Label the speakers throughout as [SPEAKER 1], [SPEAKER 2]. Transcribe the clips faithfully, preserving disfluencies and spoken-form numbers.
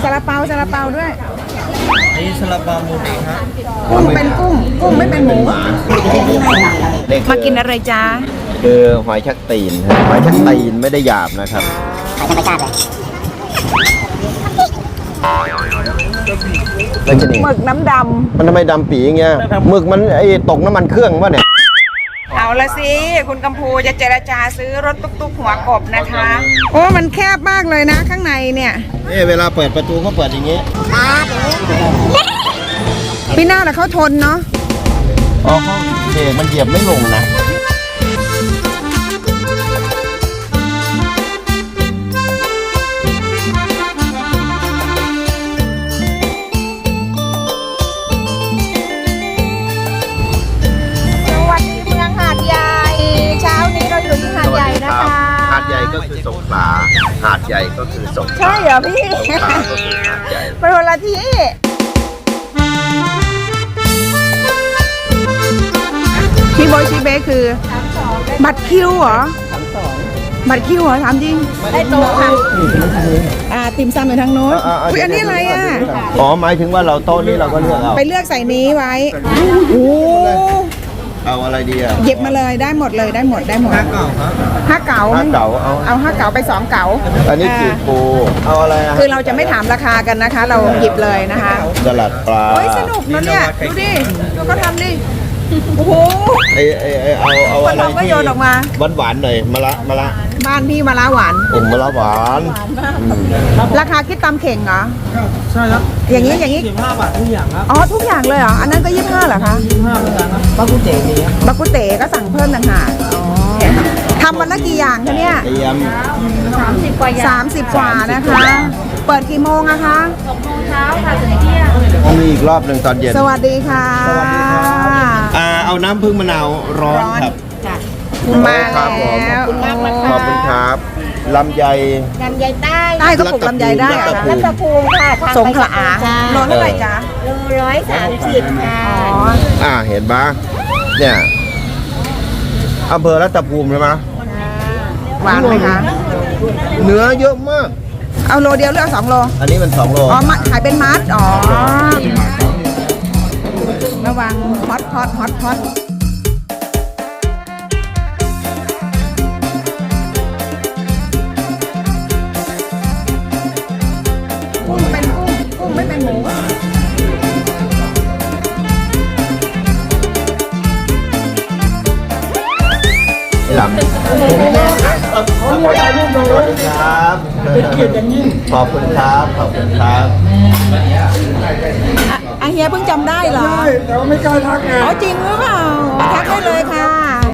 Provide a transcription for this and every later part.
[SPEAKER 1] ซาลาเปาซาลาเปาด้วย
[SPEAKER 2] นี่ซาลาเปาหมูเองครับ
[SPEAKER 1] กุ้งเป็นกุ้งกุ้งไม่เป็นหมูมากินอะไรจ้า
[SPEAKER 3] คือหอยชักตีนหอยชักตีนไม่ได้หยาบนะครับแล้วจะนี่
[SPEAKER 1] หมึกน้ำดำ
[SPEAKER 3] มันทำไมดำปีอย่างเงี้ยหมึกมันไอตกน้ำมันเครื่องวะเนี่ย
[SPEAKER 1] เอาละสิคุณกัมพูจะเจรจาซื้อรถตุ๊กๆหัวกบนะคะโอ้มันแคบมากเลยนะข้างในเนี่ย
[SPEAKER 3] เอ๊ะเวลาเปิดประตูเขาเปิดอย่างงี้
[SPEAKER 1] พี่หน้าแต่เขาทนเนาะ
[SPEAKER 3] อ๋อเขาเบรกมันเหยียบไม่ลงนะหาดใหญ่ก็คือสงขลาหาดใหญ่ก็คือสงขลา
[SPEAKER 1] ใช่เหรอพี่
[SPEAKER 3] สงขลาก็คือหาดใหญ่
[SPEAKER 1] เป็นคนละที่ชีโบชีเบคือบัตรคิวเหรอบัตรคิวเหรอถามจริงได้โต๊ะค่ะอ่าติ่มซำอยู่ทางโน้นคุยอันนี้อะไรอ่ะ
[SPEAKER 3] อ๋อหมายถึงว่าเราโต๊ะนี้เราก็เลือกเอา
[SPEAKER 1] ไปเลือกใส่นี้ไว้โอ้
[SPEAKER 3] เอาอะไรดีอ่ะ
[SPEAKER 1] หยิบมาเลยได้หมดเลยได้หมดได้หมดห้าเก๋าครับห้าเก๋า
[SPEAKER 3] ห้าเก๋าเอา
[SPEAKER 1] เอาห้าเก๋าไปสองเก๋า
[SPEAKER 3] อันนี้จีบปูเอาอะไรอ่ะ
[SPEAKER 1] คือเราจะไม่ถามราคากันนะคะเราหยิบเลยนะคะ
[SPEAKER 3] สลัดปลา
[SPEAKER 1] โอ้ยสนุกนะเนี่ยดูดิดูเขาทำดิโอ้โห
[SPEAKER 3] ไอไอไอเอาเอาอะไรที่หวานหวานหน่อยมะละมะละ
[SPEAKER 1] บ้านพี่มะละหวาน
[SPEAKER 3] ผมมะละหวาน
[SPEAKER 1] ราคาคิดตามเข่งเหรอ
[SPEAKER 2] ใช่ครับ
[SPEAKER 1] อย่างนี้อย่างนี้
[SPEAKER 2] ยี่สิบห้าบาททุกอย่างครับ
[SPEAKER 1] อ๋อทุกอย่างเลยเหรออันนั้นก็ยี่สิบห้าเหรอคะ
[SPEAKER 2] ยี่สิบห้าเหมือนกันครับบักกุเต๋นี่
[SPEAKER 1] บักกุเต๋ก็สั่งเพิ่มต่างหากทำวันละกี่อย่างคะเนี่ย
[SPEAKER 4] สามสิบกว่าอย่าง
[SPEAKER 1] สามสิบกว่านะคะเปิดกี่โมงอะคะ
[SPEAKER 4] หกโมงเช้าค่ะถึงเที่ยง
[SPEAKER 3] มีอีกรอบหนึ่งตอนเย็น
[SPEAKER 1] สวัสดีค่ะ
[SPEAKER 3] สวัสดีครับอ่าเอาน้ำผึ้งมะนาวร้อนครับ
[SPEAKER 1] มาแล้ว
[SPEAKER 3] ขอบคุณมากนะคะขอบคุณครับลำไย
[SPEAKER 4] ลำไยใต้
[SPEAKER 1] ใต้ก็ปลูกลำไยได้เหรอคะ
[SPEAKER 4] รัตภูมิค่ะ
[SPEAKER 1] สงขลาโลเท่าไหร่จ๊ะ
[SPEAKER 4] โลร้อยสามสิบค่ะ
[SPEAKER 1] อ๋อ
[SPEAKER 3] อ่าเห็นปะเนี่ยอำเภอรัตภูมิใช่ไหม
[SPEAKER 1] หวานไหมคะ
[SPEAKER 3] เนื้อเยอะมาก
[SPEAKER 1] เอาโลเดียวหรือเอาสองโล
[SPEAKER 3] อันนี้มันสองโล
[SPEAKER 1] อ๋อขายเป็นมัดอ๋อระวังฮอตฮอตฮอตฮอตกุ้งเป็นกุ้งกุ้งไม่เป็นหมู
[SPEAKER 3] ลำสวัสดีครับขอบคุณครับขอบคุณครับ
[SPEAKER 1] อาเฮียเพิ่งจำได้เหรอ
[SPEAKER 2] ใช่แต่ว่าไม่กล้าทักไง
[SPEAKER 1] อ๋อจริงหรือเปล่าทักได้เลยค่ะ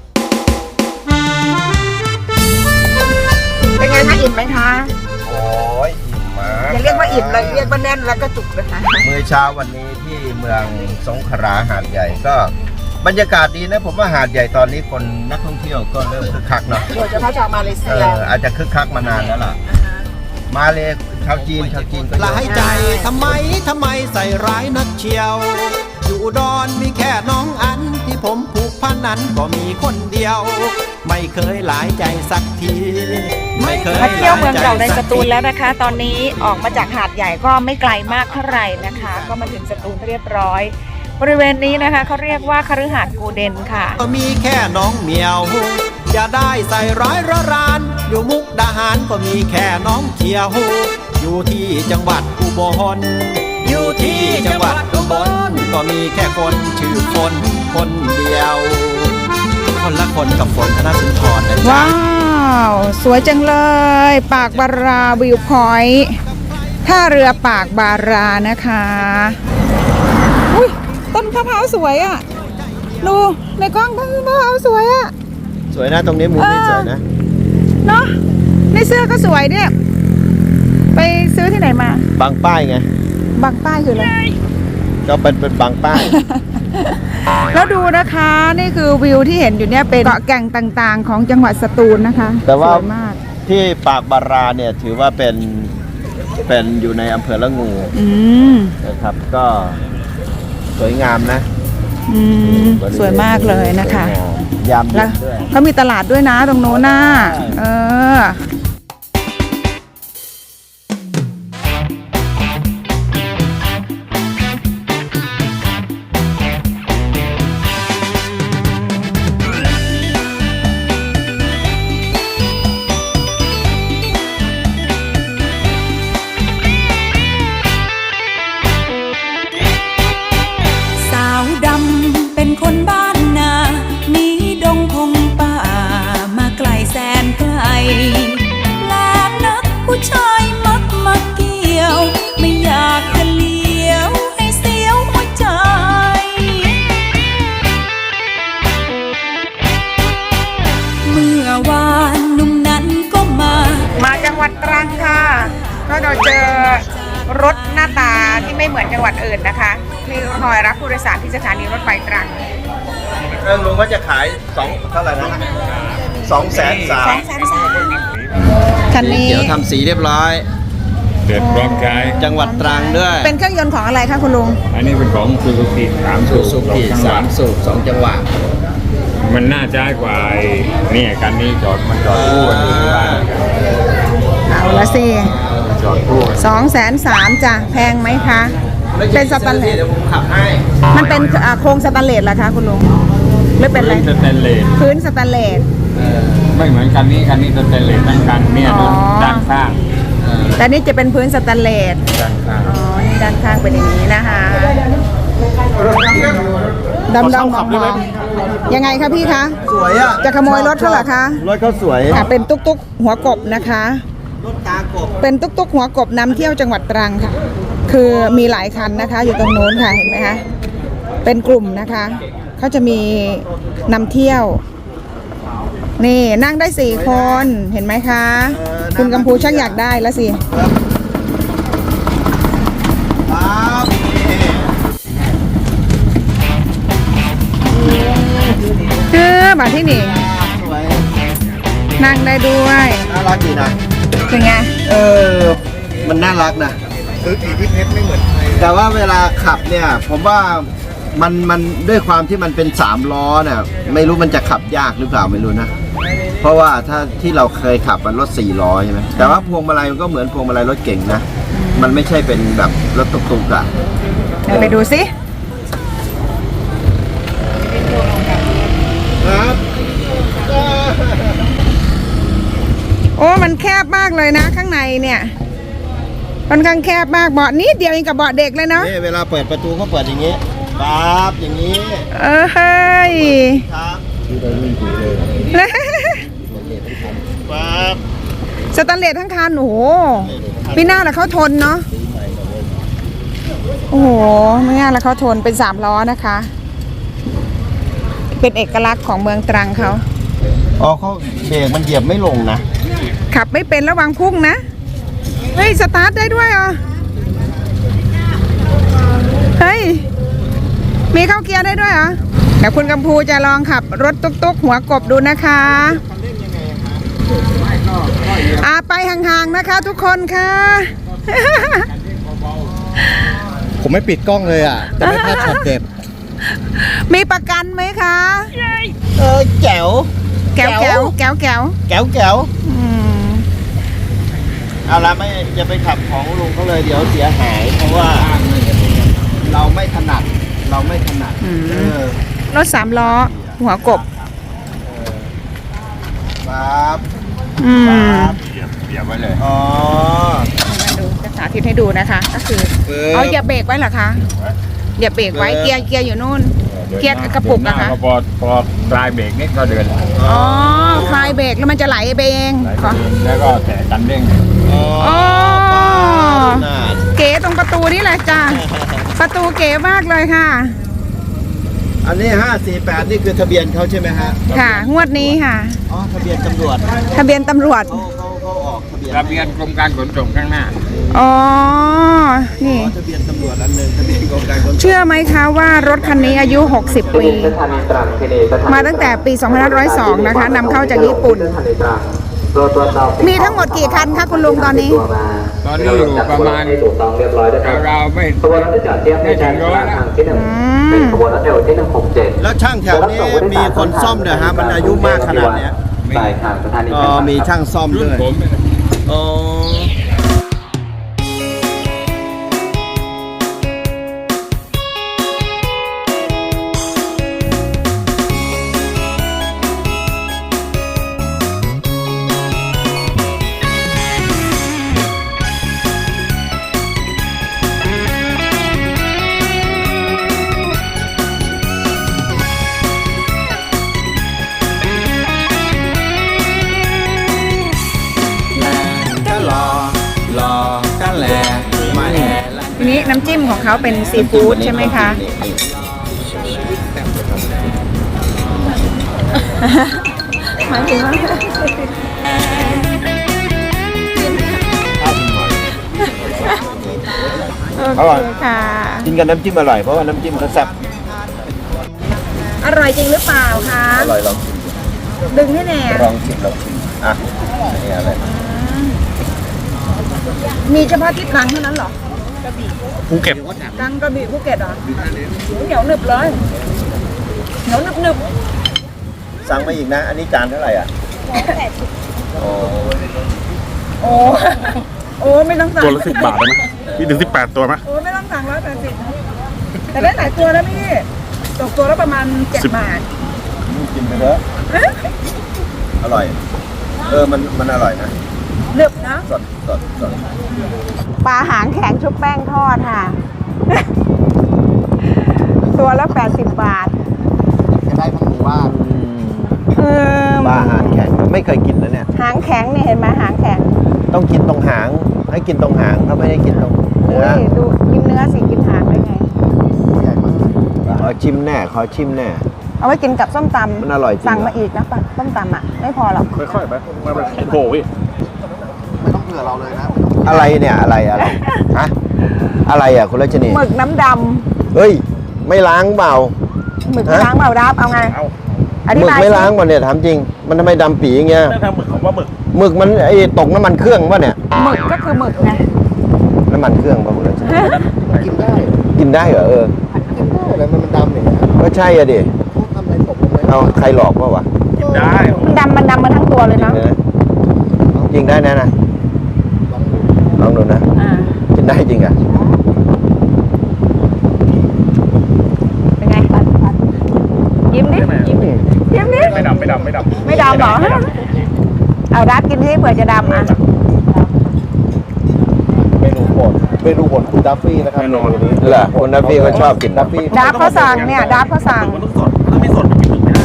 [SPEAKER 1] เป็นไงคะอิ่มไหมคะ
[SPEAKER 3] โอ้ยอิ่มมาก
[SPEAKER 1] อย่าเรียกว่าอิ่มเลยเรียกว่าแน่นแล้วก็จุกเลยค่ะ
[SPEAKER 3] มื้อเช้าวันนี้ที่เมืองสงขลาหาดใหญ่ก็บรรยากาศดีนะผมว่าหาดใหญ่ตอนนี้คนนักท่องเที่ยวก็เริ่มคึกคักเนาะ
[SPEAKER 1] โดยเฉพาะชาวมาเลเซีย
[SPEAKER 3] อาจจะคึกคักมานานแล้วล่ะมาเลยชาวจีนชาวจีนก็เยอะ
[SPEAKER 5] หลายใจทำไมทำไมใส่ร้ายนักเชียวอยู่อุดรมีแค่น้องอันที่ผมผูกพันนั้นก็มีคนเดียวไม่เคยหลายใจสักทีไม่เคย
[SPEAKER 1] มาเที่ยวเมืองเก่าในสตูลแล้วนะคะตอนนี้ออกมาจากหาดใหญ่ก็ไม่ไกลมากเท่าไหร่นะคะก็มาถึงสตูลเรียบร้อยบริเวณนี้นะคะเขาเรียกว่าคฤหาสน์กูเดนค่ะ
[SPEAKER 5] ก็มีแค่น้องเหมียวอย่าได้ใส่ร้ายระรานอยู่มุกดาหารก็มีแค่น้องเขียวอยู่ที่จังหวัดอุบลอยู่ที่จังหวัดอุบลก็มีแค่คนชื่อฝนคนเดียวคนละคนกับฝนธนสุนทรนะจ๊ะ
[SPEAKER 1] ว้าวสวยจังเลยปากบาราวิวพอยต์ท่าเรือปากบารานะคะอุ้ยต้นมะพร้าวสวยอ่ะดูในกล้องต้นมะพร้าวสวยอ่ะ
[SPEAKER 3] สวยนะตรงนี้มุมนี้สวยนะ
[SPEAKER 1] เนาะในเสื้อก็สวยเนี่ยไปซื้อที่ไหนมา
[SPEAKER 3] บางป้ายไง
[SPEAKER 1] บางป้ายคืออะไร
[SPEAKER 3] ก็เป็นเป็นบางป้าย
[SPEAKER 1] แล้วดูนะคะนี่คือวิวที่เห็นอยู่เนี่ยเป็นเกาะแก่งต่างๆของจังหวัดสตูลนะคะ
[SPEAKER 3] แต่ว่าที่ปากบาราเนี่ยถือว่าเป็นเป็นอยู่ในอำเภอละงูนะครับก็สวยงามนะ
[SPEAKER 1] อืมสวยมากเลยนะคะ
[SPEAKER 3] ยามแล้ว
[SPEAKER 1] เขามีตลาดด้วยนะตรงโน้นน่ะเออรถหน้าตาที่ไม่เหมือนจังหวัดอื่นนะคะที่คอยรับผู้โดยสารที่สถานีรถไฟตรัง
[SPEAKER 3] เรื่องลุงก็จะขายสองเท่าไหร่นะสองแสนสาม
[SPEAKER 1] แสนสามคันนี้
[SPEAKER 3] เดี๋ยวทำสีเรียบร้อย
[SPEAKER 6] เดือดร้อนกาย
[SPEAKER 3] จังหวัดตรังด้วย
[SPEAKER 1] เป็นเครื่องยนต์ของอะไรคะคุณลุง
[SPEAKER 6] อันนี้เป็นของซูซูกิสามสู
[SPEAKER 3] ซู
[SPEAKER 6] บ
[SPEAKER 3] ซูกิ
[SPEAKER 6] สองจังห
[SPEAKER 3] สาว
[SPEAKER 6] ะ
[SPEAKER 3] มสูบสองจังหวะ
[SPEAKER 6] มันน่าจะให้กว่าไอ้เนี่ยกันนี้จอดมันจอดคู่กันอยู่ที่บ้าน
[SPEAKER 1] เอาละสิ
[SPEAKER 6] จอดคู่กัน
[SPEAKER 1] สองแสนสามจ้ะแพงไหมคะ เป็นสแตนเลส
[SPEAKER 3] เดี๋ยวผมขับให้
[SPEAKER 1] มันเป็นอ่าโครงสแตนเลสเหรอคะคุณลุงหรือเป็นอะไร
[SPEAKER 6] สแตนเลส
[SPEAKER 1] พื้นสแตนเลส
[SPEAKER 6] ไม่เหมือนกันนี้กันนี้สแตนเลสทั้งคันเนี่ย
[SPEAKER 1] อ๋อ
[SPEAKER 6] ด้านข้าง
[SPEAKER 1] แต่นี่จะเป็นพื้นสแตนเลส
[SPEAKER 6] ด้านข้าง
[SPEAKER 1] อ๋อ นี่ด้านข้างเป็นอย่างนี้นะคะดำดำมองๆยังไงคะพี่คะ
[SPEAKER 3] สวยอ่ะ
[SPEAKER 1] จะขโมยรถเขาเหรอคะ
[SPEAKER 3] รถเขาสวย
[SPEAKER 1] ค่ะเป็นตุ๊กตุ๊กหัวกบนะคะ
[SPEAKER 3] รถตากบ
[SPEAKER 1] เป็นตุ๊กตุ๊กหัวกบนำเที่ยวจังหวัดตรังค่ะ คือมีหลายคันนะคะ อยู่ตรงโน้นค่ะเห็นไหมคะ เป็นกลุ่มนะคะเขาจะมีนำเที่ยว นี่นั่งได้สี่คนเห็นไหมคะ คุณกัมพูชักอยากได้แล้วสิ
[SPEAKER 3] ครับ
[SPEAKER 1] เออมาที่นี่
[SPEAKER 3] สวย
[SPEAKER 1] นั่งได้ด้วย
[SPEAKER 3] น่ารักดีนะ
[SPEAKER 1] เป็นไง
[SPEAKER 3] เออ มันน่ารักนะซื้อสีพิเพชรไม่เหมือนใครแต่ว่าเวลาขับเนี่ย ผมว่ามันมันด้วยความที่มันเป็นสามล้อเนี่ยไม่รู้มันจะขับยากหรือเปล่าไม่รู้นะ เพราะว่าถ้าที่เราเคยขับมันรถสี่ล้อใช่ไหมแต่ว่าพวงมาลัยมันก็เหมือนพวงมาลัยรถเก่งนะ มันไม่ใช่เป็นแบบรถตุกๆอะ
[SPEAKER 1] เดี๋ยวไปดูสิ
[SPEAKER 3] ครับ
[SPEAKER 1] โอ้ มันแคบมากเลยนะ ข้างในเนี่ยค่อนข้างแคบมากเบาะนิดเดียวเองกับเบาะเด็กเลยเนาะ
[SPEAKER 3] นี่เวลาเปิดประตูเขาเปิดอย่างนี้ปั๊บอย่างนี้
[SPEAKER 1] เออเฮ้ย
[SPEAKER 3] ครับปั๊บ
[SPEAKER 1] สแตนเลสทั้งคันโอ้โหพี่หน้าละเขาทนเนาะโอ้โหไม่ง่ายละเขาทนเป็นสามล้อนะคะ เป็นเอกลักษณ์ของเมืองตรังเขา
[SPEAKER 3] อ๋อเขาเบรกมันเหยียบไม่ลงนะ
[SPEAKER 1] ขับไม่เป็นระวังพุ่งนะเฮ้ยสตาร์ทได้ด้วยเหรอเฮ้ยมีเข้าเกียร์ได้ด้วยเหรอเดี๋ยวคุณกัมพูจะลองขับรถตุ๊กๆหัวกบดูนะคะอาไปห่างๆนะคะทุกคนค่ะ
[SPEAKER 3] ผมไม่ปิดกล้องเลยอ่ะจะไม่พลาดช็อตเด็ด
[SPEAKER 1] มีประกันไหมคะ
[SPEAKER 3] เออแจ๋ว
[SPEAKER 1] แก้วแก้วแก้วแก้ว
[SPEAKER 3] แก้วแก้ว
[SPEAKER 1] อืม
[SPEAKER 3] เอาละไม่จะไปขับของลุงเขาเลยเดี๋ยวเสียหาย เพราะว่าเราไม่ถนัด เราไม่ถนัดเออ
[SPEAKER 1] รถสามล้อ หัวกบ
[SPEAKER 3] ปั๊บ
[SPEAKER 1] อืม
[SPEAKER 3] ปั๊บ
[SPEAKER 6] เหยียบเหยียบไว้เลย
[SPEAKER 3] อ๋อ
[SPEAKER 1] มาดูจะสาธิตให้ดูนะคะ ก็คือ
[SPEAKER 3] เออ
[SPEAKER 1] เอาอย่าเบรกไว้เหรอคะอย่าเบรกไว้เกียร์เกียร์อยู่นู่น เกียร์กระปุก
[SPEAKER 6] เดินห
[SPEAKER 1] นะ
[SPEAKER 6] น้า
[SPEAKER 1] คะ
[SPEAKER 6] ก็พอพอปลายเบรกนี่ก็เดิน
[SPEAKER 1] อ๋อคลายเบรกแล้วมันจะไหลไปเอง
[SPEAKER 6] ไหล
[SPEAKER 1] ขอ
[SPEAKER 6] ไปเองแล้วก็แตะกันเด้ง
[SPEAKER 3] อ๋อ
[SPEAKER 1] อ๋อ
[SPEAKER 3] น่า
[SPEAKER 1] เก๋ตรงประตูนี่แหละจ้ะประตูเก๋มากเลยค่ะ
[SPEAKER 3] อันนี้ห้าสี่แปดนี่คือทะเบียนเขาใช่ไหมฮะ
[SPEAKER 1] ค่ะ งวดนี้ค่ะ
[SPEAKER 3] อ๋อ ทะเบียนตำรวจ
[SPEAKER 1] ทะเบียนตำรวจ
[SPEAKER 3] เขาเขาเขาออกทะเบียน
[SPEAKER 6] ทะเบียนกรมการขนส่งข้างหน้า
[SPEAKER 1] อ๋อ นี่
[SPEAKER 3] อ๋อทะเบียนตำรวจอันหนึ่งทะเบียนกรมการขนส่ง
[SPEAKER 1] เชื่อไหมคะว่ารถคันนี้อายุ หกสิบ ปี มาตั้งแต่ปี สองพันห้าร้อยสอง นะคะนำเข้าจากญี่ปุ่น มีทั้งหมดกี่คันคะคุณลุงตอนนี้
[SPEAKER 6] ตอนนี้อยู่ประมาณราวๆไม่ไม่ถึงร้อยแล้ว
[SPEAKER 1] อืม
[SPEAKER 3] แล้วช่างแถวนี้มีคนซ่อมเด้อฮะ มันอายุมากขนาดเนี้ย
[SPEAKER 7] ใช่ค่ะสถานี
[SPEAKER 3] อ๋อ มีช่างซ่อม
[SPEAKER 6] รุ่
[SPEAKER 3] ด้
[SPEAKER 6] น
[SPEAKER 3] วย
[SPEAKER 6] ผมเนี่ย
[SPEAKER 3] อ๋อ
[SPEAKER 5] ก็รอรอกันแหละมาแห่
[SPEAKER 1] ทีนี้น้ำจิ้มของเขาเป็นซีฟู้ดใช่ไหมคะ หมายถึงว่า
[SPEAKER 3] อร่อย
[SPEAKER 1] เคค่ะ
[SPEAKER 3] กินกับน้ำจิ้มอร่อยเพราะว่าน้ำจิ้มเขาแซ่บ
[SPEAKER 1] อร่อยจริงหรือเปล่าคะ
[SPEAKER 3] อร่อยลองชิม
[SPEAKER 1] ดึงให้แน่
[SPEAKER 3] ลองชิมลองชิมอ่ะนี่อะไร
[SPEAKER 1] มีเฉพาะที่ตรังเท่านั้นเหรอ
[SPEAKER 6] ภูเก็ต
[SPEAKER 1] ตรังกระบี่ภูเก็ตเหรอเหนียวหนึบเลยเหนียวหนึบหนึบ
[SPEAKER 3] สั่งมาอีกนะ อันนี้จานเท่าไหร่อ่ะโอ้
[SPEAKER 1] โอ้โอ้ไม่ต้องสั่ง
[SPEAKER 6] ตัวละสิบบาทได้ไหมมีถึงสิบแปดตัวไหม
[SPEAKER 1] โอ้ไม่ต้องสั่งร้อยแปดสิบแต่ได้หลายตัวแล้วพี่ตกตัวละประมาณเจ็ด
[SPEAKER 6] สิบ
[SPEAKER 1] บาท
[SPEAKER 3] กินไปเถอะอร่อย เออมันมันอร่อยนะ
[SPEAKER 1] หนึบนะ
[SPEAKER 3] สดสดสด
[SPEAKER 1] ปลาหางแข็งชุบแป้งทอดค่ะ ตัวละแปดสิบบาท
[SPEAKER 3] จะได้ทั้งหมู่บ้าน
[SPEAKER 1] เออ
[SPEAKER 3] ปลาหางแข็งไม่เคยกินนะเนี่ย
[SPEAKER 1] หางแข็งเนี่ยเห็นไหมหางแข็ง
[SPEAKER 3] ต้องกินตรงหาง ให้กินตรงหางเขาไม่ได้กินตรงเนื้อ
[SPEAKER 1] นี่ดูกินเนื้อสิกินหางได้ไง
[SPEAKER 3] ใหญ่มากขอชิมแน่ ขอชิมแน่
[SPEAKER 1] เอาไว้กินกับส้มตำ
[SPEAKER 3] มันอร่อยจริง
[SPEAKER 1] สั่ง
[SPEAKER 3] เหรอ
[SPEAKER 1] มาอีกนะปะส้มตำอ่ะ ไม่พอหรอก
[SPEAKER 6] ค่อยๆไปมาไปโผล่พี่
[SPEAKER 3] ไม่ต้องเผื่อเราเลยนะ อะไรเนี่ยอะไรอะไรฮะอะไรอ่ะคุณรัชนี
[SPEAKER 1] หมึกน้ำด
[SPEAKER 3] เฮ้ย ไม่ล้างเปล่า
[SPEAKER 1] ำหมึก
[SPEAKER 3] ฮะ
[SPEAKER 1] ล้างเปล่าดับเอาไง
[SPEAKER 6] เอา
[SPEAKER 1] อ
[SPEAKER 3] ห
[SPEAKER 1] ธิ
[SPEAKER 3] มึก
[SPEAKER 1] บาย
[SPEAKER 3] ไม่
[SPEAKER 1] สิ
[SPEAKER 3] ล้างป่ะเนี่ยถามจริง มันทำไมดำปีอย่างเงี้ย
[SPEAKER 6] นั่นทำหมึกของว่าหมึก
[SPEAKER 3] หมึกมันไอ้ตกน้ำมันเครื่องป่ะเนี่ย
[SPEAKER 1] หมึกก็คือหมึกไง
[SPEAKER 3] น้ำมันเครื่องป่ะคุณรัชนีกินได้ กินได้เหรอเออกินได้แล้วมันดำอย่างเงี้ยก็ใช่อะดิทำอะไรตกเอาใครหลอกป่ะวะ
[SPEAKER 6] กินได้
[SPEAKER 1] มันดำมันดำมาทั้งตัวเลยเนาะ
[SPEAKER 3] จริงได้นะนะลองดูนะ
[SPEAKER 1] อ่า
[SPEAKER 3] กินได้จริงอ่ะ
[SPEAKER 1] เป็นไงยิ้มดิยิ้มดิยิ้มดิ
[SPEAKER 6] ไม่ดำไม่ดำไม่ดำ
[SPEAKER 1] ไม่ดำเหรอเอาดับกินที่เผื่อจะดำอ่ะ
[SPEAKER 3] เมนูโปรดเมนูโปรดคุณดัฟฟี่นะครับเมนูนี้เหรอคุณดัฟฟี่ก็ชอบกินดัฟฟี่
[SPEAKER 1] ดับเขาสั่งเนี่ยดับเขาสั่ง
[SPEAKER 6] มันต้องสดถ้าไม่สดมันกินหมึกไม่ได้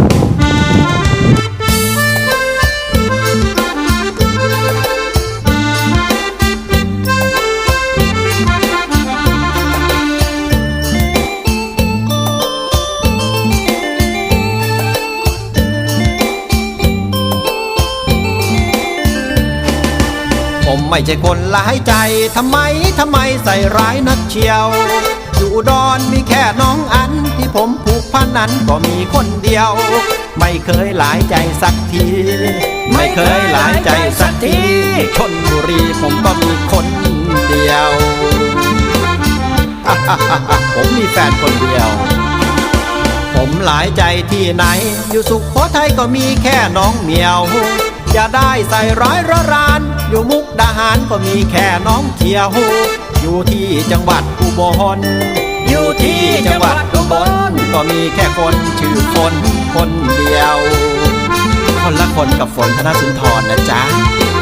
[SPEAKER 5] ผมไม่ใช่คนร้ายใจ ทำไม ทำไมใส่ร้ายนักเชียว อยู่อุดอนมีแค่น้องอัน ที่ผมผูกพันนั้นก็มีคนเดียว ไม่เคยหลายใจสักที ไม่เคยหลายใจสักทีชลบุรีผมก็มีคนเดียว ผมมีแฟนคนเดียว ผมหลายใจที่ไหน อยู่สุขโขทัยก็มีแค่น้องเหมียว อย่าได้ใส่ร้ายระราน อยู่มุกดาหารก็มีแค่น้องเขียว อยู่ที่จังหวัดอุบล อยู่ที่จังหวัดอุบลก็มีแค่คนชื่อฝนคนเดียว คนละคนกับฝนธนสุนทรนะจ๊ะ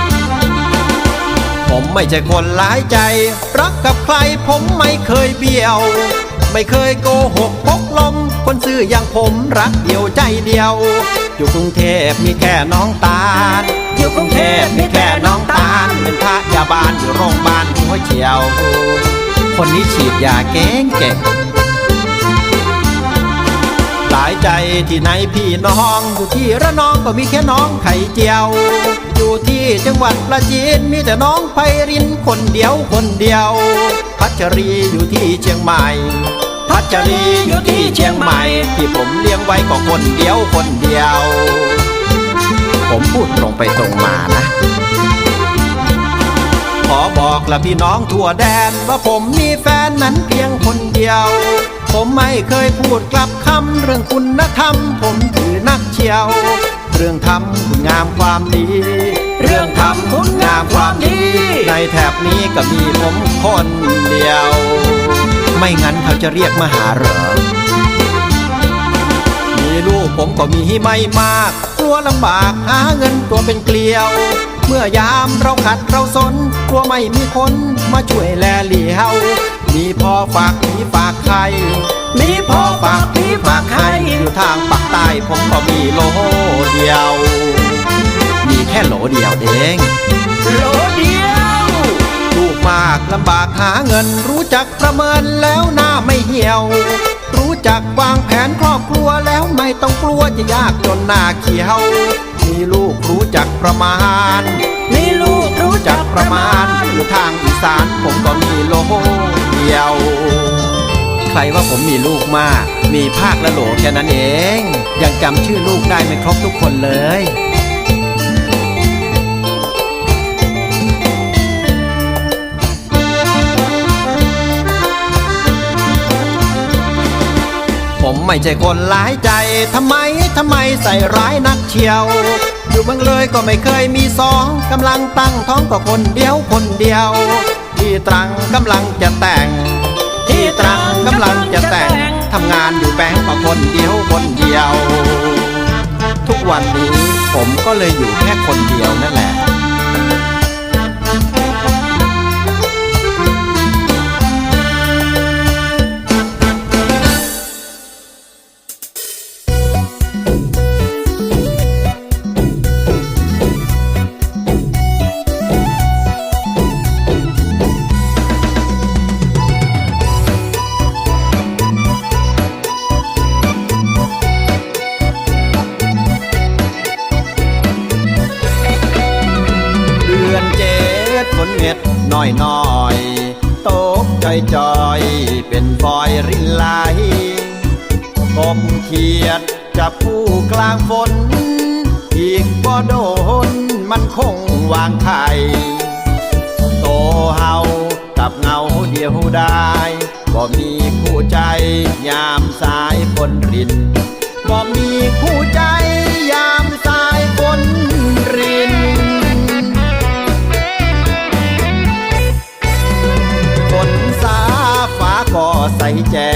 [SPEAKER 5] ผมไม่ใช่คนหลายใจ รักกับใครผมไม่เคยเบี้ยว ไม่เคยโกหกพกลม คนซื่ออย่างผมรักเดียวใจเดียว อยู่กรุงเทพมีแค่น้องตาล อยู่กรุงเทพมีแค่น้องตาล เป็นพยาบาลอยู่โรงพยาบาลหัวเฉียว คนนี้ฉีดยาเก่งเก่ง หลายใจที่ไหนพี่น้อง อยู่ที่ระนองก็มีแค่น้องไข่เจียว อยู่ที่จังหวัดประจีนมีแต่น้องไพรินคนเดียวคนเดียว พัชรีอยู่ที่เชียงใหม่ พัชรีอยู่ที่เชียงใหม่ ที่ผมเลี้ยงไว้ก็คนเดียวคนเดียว ผมพูดตรงไปตรงมานะ ขอบอกละพี่น้องทั่วแดน ว่าผมมีแฟนนั้นเพียงคนเดียว ผมไม่เคยพูดกลับคำเรื่องคุณธรรม ผมถือนักเชียว เรื่องทำคุณงามความดี เรื่องทำคุณงามความดี ในแถบนี้ก็มีผมคนเดียว ไม่งั้นเขาจะเรียกมาหาเหรอ มีลูกผมก็มีไม่มากกลัวลำบากหาเงินตัวเป็นเกลียว เมื่อยามเราขัดเราสนกลัวไม่มีคนมาช่วยแลเหลียว มีพ่อฝากพี่ฝากใคร มีพ่อฝากพี่ฝากใคร อยู่ทางปากใต้ผมก็มีโหลเดียว มีแค่โหลเดียวเองโหลเดียวลูกมากลำบากหาเงิน รู้จักประเมินแล้วหน้าไม่เหี่ยว รู้จักวางแผนครอบครัวแล้วไม่ต้องกลัวจะยากจนหน้าเขียว มีลูกรู้จักประมาณ มีลูกรู้จักประมาณ อยู่ทางอีสานผมก็มีโลรว่าผมมีลูกมาก มีภาคและโหลแค่นั้นเอง ยังจำชื่อลูกได้ไม่ครบทุกคนเลย ผมไม่ใช่คนร้ายใจ ทำไม ทำไมใส่ร้ายนักเชียว อยู่เมืองเลยก็ไม่เคยมีสองกำลังตั้งท้องก็คนเดียวคนเดียว ที่ตรังกำลังจะแต่ง ที่ตรังกำลังจะแต่ง ทำงานอยู่แบงก์ก็คนเดียวคนเดียว ทุกวันนี้ผมก็เลยอยู่แค่คนเดียวนั่นแหละ เดือนเจ็ดฝนเม็ดน้อยน้อยตกจอยจอยเป็นฟอยรินไหลกบเขียดจับผู้กลางฝน อีกบ่โดนมันคงวางไข่โตเฮากับเงาเดียวได้บ่มีคู่ใจยามสายฝนรินบ่มีคู่ใจยามสายฝนริน ฝนสาฟ้าก็ใสแจ่